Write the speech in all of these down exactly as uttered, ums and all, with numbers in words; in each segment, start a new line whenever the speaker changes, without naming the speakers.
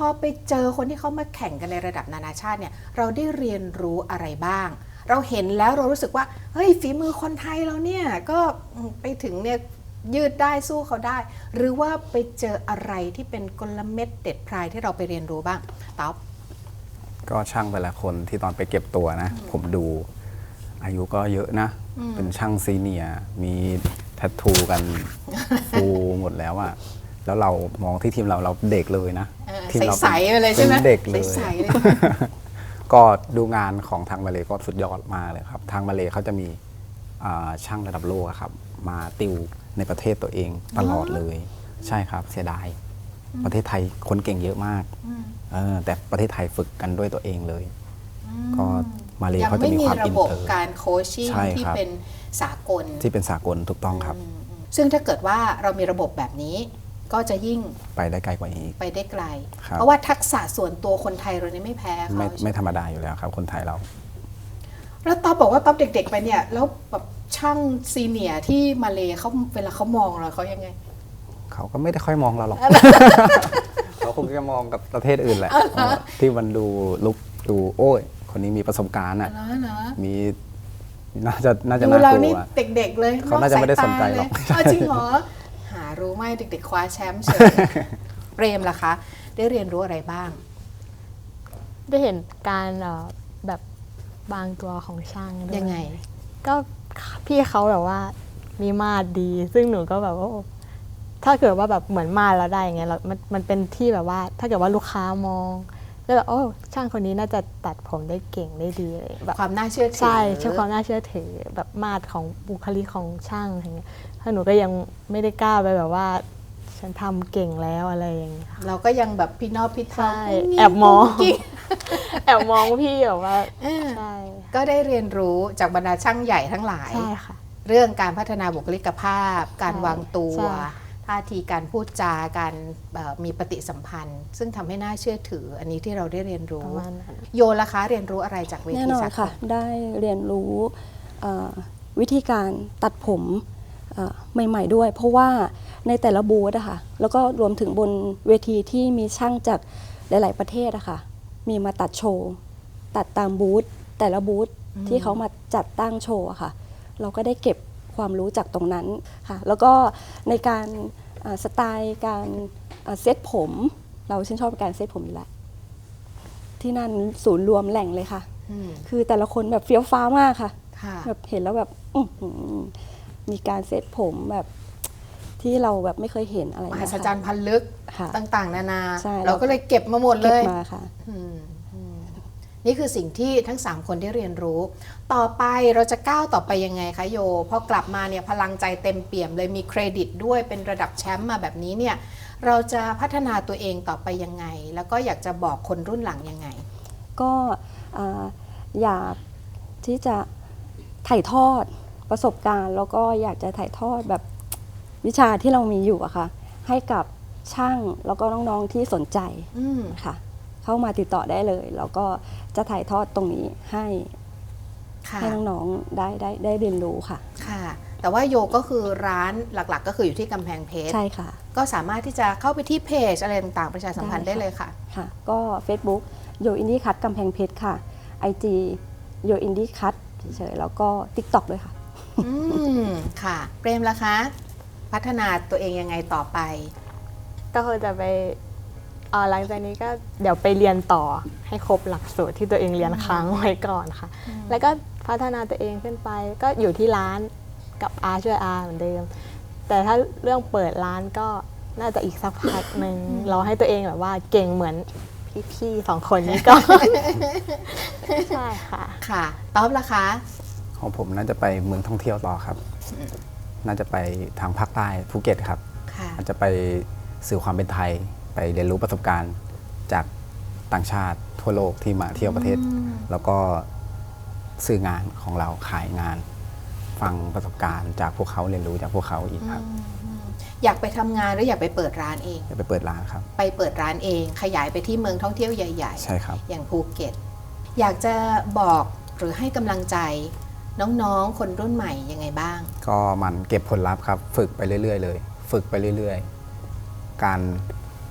อไปเจอคนที่เขามาแข่งกันในระดับนานาชาติเนี่ยเราได้เรียนรู้อะไรบ้างเราเห็นแล้วเรารู้สึกว่าเฮ้ยฝีมือคนไทยเราเนี่ยก็ไปถึงเนี่ยยืดได้สู้เขาได้หรือว่าไปเจออะไรที่เป็นกลเม็ดเด็ดพรายที่เราไปเรียนรู้บ้างต๊อบ
ก็ช่างแต่ละคนที่ตอนไปเก็บตัวนะผมดูอายุก็เยอะนะเป็นช่างซีเนียร์มีแทททูกันฟูหมดแล้วอะแล้วเรามองที่ทีมเราเราเด็กเลยนะ
ทีมเราใสๆเลยใช่ไหม
เด็กเลย
ใสๆเลย
ก็ดูงานของทางมาเลก็สุดยอดมากเลยครับทางมาเลเขาจะมีช่างระดับโลกครับมาติวในประเทศตัวเองตลอดเลยใช่ครับเสียดายประเทศไทยคนเก่งเยอะมากแต่ประเทศไทยฝึกกันด้วยตัวเองเลยก็มาเลเขาจะมีความอินเตอร์
การโคชชิ่งที่เป็นสากล
ที่เป็นสากลถูกต้องครับ
ซึ่งถ้าเกิดว่าเรามีระบบแบบนี้ก็จะยิ่ง
ไปได้ไกลกว่านี้
ไปได้ไกลเพราะว่าทักษะส่วนตัวคนไทยเราเนี่ยไม่แพ้เขา
ไม่ไม่ธรรมดาอยู่แล้วครับคนไทยเรา
แล้วต๊อบบอกว่าต๊อบเด็กๆไปเนี่ยแล้วแบบช่างซีเนียร์ที่มาเลเขาเวลาเขามองเราเขายังไง
เขาก็ไม่ได้ค่อยมองเราหรอก เขาคงจะมองกับประเทศอื่นแหละที่มันดูลุกดูโอ้ยคนนี้มีประสบการณ์อ่ะมีน่าจะน่าจะน่ากลัว
เด็กๆเลย
เขาน่าจะไม่ได้สนใจหรอก
จริงเหรอหารู้ไหมเด็กๆคว้าแชมป์เฉยเปรมล่ะคะได้เรียนรู้อะไรบ้าง
ได้เห็นการแบบบางตัวของช่างด้วย
ยังไง
ก็พี่เขาแบบว่ามีมาดดี ซึ่งหนูก็แบบว่าถ้าเกิดว่าแบบเหมือนมาดแล้วได้อย่างเงี้ยเรามันมันเป็นที่แบบว่าถ้าเกิดว่าลูกค้ามองแล้วแบบโอ้ช่างคนนี้น่าจะตัดผมได้เก่งได้ดีเลย
แบบความน่าเชื่อถือ
ใช่ใช่ความน่าเชื่อถือแบบมาดของบุคลิกของช่างอย่างเงี้ยถ้าหนูก็ยังไม่ได้กล้าไปแบบว่าฉันทำเก่งแล้วอะไรอย่างเงี้ย
เราก็ยังแบบพี่นอบพี่ทา
แอบมองแอบมองพี่แบบว่า
ใช่ก็ได้เรียนรู้จากบรรดาช่างใหญ่ทั้งหลาย
ใช่ค่ะ
เรื่องการพัฒนาบุคลิกภาพการวางตัวท่าทีการพูดจาการมีปฏิสัมพันธ์ซึ่งทำให้น่าเชื่อถืออันนี้ที่เราได้เรียนรู้โยล่ะคะเรียนรู้อะไรจากเวที
แน่นอนค่ะได้เรียนรู้วิธีการตัดผมใหม่ๆด้วยเพราะว่าในแต่ละบูธอะค่ะแล้วก็รวมถึงบนเวทีที่มีช่างจากหลายๆประเทศอะค่ะมีมาตัดโชว์ตัดตามบูธแต่ละบูธที่เขามาจัดตั้งโชว์อะค่ะเราก็ได้เก็บความรู้จากตรงนั้นค่ะแล้วก็ในการสไตล์การเซตผมเราชื่นชอบการเซตผมอยู่แล้วที่นั่นศูนย์รวมแหล่งเลยค่ะคือแต่ละคนแบบเฟี้ยวฟ้ามากค่ะแบบเห็นแล้วแบบมีการเซตผมแบบที่เราแบบไม่เคยเห็นอะไร
มหัศจรรย์พันลึกต่างๆนานาเราก็เลยเก็บมาหมด
เล
ย
มาค่ะ
นี่คือสิ่งที่ทั้งสามคนได้เรียนรู้ต่อไปเราจะก้าวต่อไปยังไงคะโยพอกลับมาเนี่ยพลังใจเต็มเปี่ยมเลยมีเครดิตด้วยเป็นระดับแชมป์มาแบบนี้เนี่ยเราจะพัฒนาตัวเองต่อไปยังไงแล้วก็อยากจะบอกคนรุ่นหลังยังไง
ก็อยากที่จะถ่ายทอดประสบการณ์แล้วก็อยากจะถ่ายทอดแบบวิชาที่เรามีอยู่อะค่ะให้กับช่างแล้วก็น้องๆที่สนใจค่ะเข้ามาติดต่อได้เลยแล้วก็จะถ่ายทอดตรงนี้ให้ให้น้องๆได้ได้ได้เรียนรู้ค่ะ
ค่ะแต่ว่าโยก็คือร้านหลักๆก็คืออยู่ที่กำแพงเพชร
ใช่ค่ะ
ก็สามารถที่จะเข้าไปที่เพจอะไรต่างๆประชาสัมพันธ์ได้เลยค่ะ
ค่ะก็ Facebook โยอินดี้คัทกำแพงเพชรค่ะ ไอ จี โยอินดี้คัทเฉยๆแล้วก็ TikTok ด้วยค่ะ
อืมค่ะเปรมล่ะคะพัฒนาตัวเองยังไงต่อไป
ก็คือจะไปหลังจากนี้ก็เดี๋ยวไปเรียนต่อให้ครบหลักสูตรที่ตัวเองเรียนค้างไว้ก่อนค่ะแล้วก็พัฒนาตัวเองขึ้นไปก็อยู่ที่ร้านกับอาช่วยอาเหมือนเดิมแต่ถ้าเรื่องเปิดร้านก็น่าจะอีกสักพักหนึ่งรอให้ตัวเองแบบว่าเก่งเหมือนพี่ๆสองคนนี้ก็ใช่ค่ะ
ค่ะต๊อบล่ะคะ
ของผมน่าจะไปเมืองท่องเที่ยวต่อครับน่าจะไปทางภาคใต้ภูเก็ตครับอาจจะไปสื่อความเป็นไทยไปเรียนรู้ประสบการณ์จากต่างชาติทั่วโลกที่มาเที่ยวประเทศแล้วก็สื่องานของเราขายงานฟังประสบการณ์จากพวกเขาเรียนรู้จากพวกเขาอีกครับ
อยากไปทำงานหรืออยากไปเปิดร้านเอง
อยากไปเปิดร้านครับ
ไปเปิดร้านเองขยายไปที่เมืองท่องเที่ยวใหญ่ๆ
ใช่ครับ
อย่างภูเก็ตอยากจะบอกหรือให้กำลังใจน้องๆคนรุ่นใหม่ยังไงบ้าง
ก็มันเก็บผลลัพธ์ครับฝึกไปเรื่อยๆเลยฝึกไปเรื่อยๆการ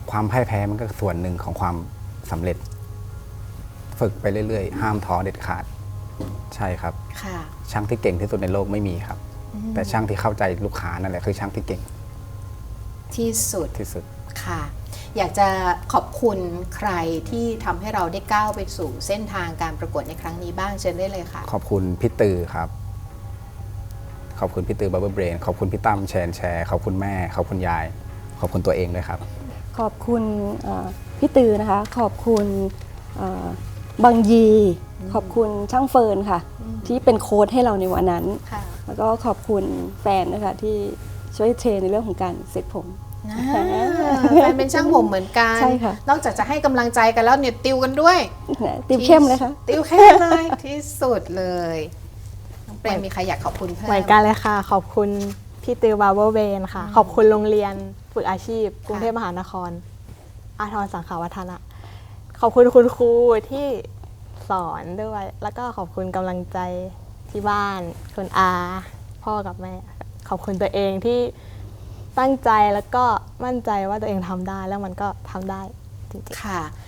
ความพ่ายแพ้มันก็ส่วนหนึ่งของความสำเร็จ ฝึกไปเรื่อยๆ ห้ามท้อเด็ดขาดใช่ครับ
ค่ะ
ช่างที่เก่งที่สุดในโลกไม่มีครับ แต่ช่างที่เข้าใจลูกค้านั่นแหละคือช่างที่เก่ง
ที่สุด
ที่สุด
ค่ะ อยากจะขอบคุณใครที่ทำให้เราได้ก้าวไปสู่เส้นทางการประกวดในครั้งนี้บ้างเชิญได้เลยค่ะ
ขอบคุณพี่ตือครับ ขอบคุณพี่ตือบับเบิลเบรนขอบคุณพี่ตั้มแชนแชร์ขอบคุณแม่ขอบคุณยาย ขอบคุณตัวเองด้วยครับ
ขอบคุณเอ่อพี่ตือนะคะ ขอบคุณเอ่อบางยี ขอบคุณช่างเฟิร์นค่ะ ที่เป็นโค้ชให้เราในวันนั้น
ค่ะ
แล้วก็ขอบคุณแฟนนะคะที่ช่วยเทรนในเรื่องของการเซ็ตผม
นะแฟนเป็นช่างผมเหมือนกัน
ใช่ค่ะ
นอกจากจะให้กำลังใจกันแล้วเนี่ยติวกันด้วย
นะติวเข้มเลยค่ะ
ติวเข้มเลยที่สุดเลยน้องเปรมมีใครอยากขอบคุณเพิ่ม
เหมือนกันเลยค่ะ ขอบคุณพี่ตือบาร์เบอร์เวนค่ะ ขอบคุณโรงเรียนฝึกอาชีพ กรุงเทพมหานคร อาทรสังขาวัฒนะ ขอบคุณคุณครูที่สอนด้วย แล้วก็ขอบคุณกำลังใจที่บ้านคุณอา พ่อกับแม่ ขอบคุณตัวเองที่ตั้งใจแล้วก็มั่นใจว่าตัวเองทำได้แล้วมันก็ทำได้จริงๆ
ค่ะ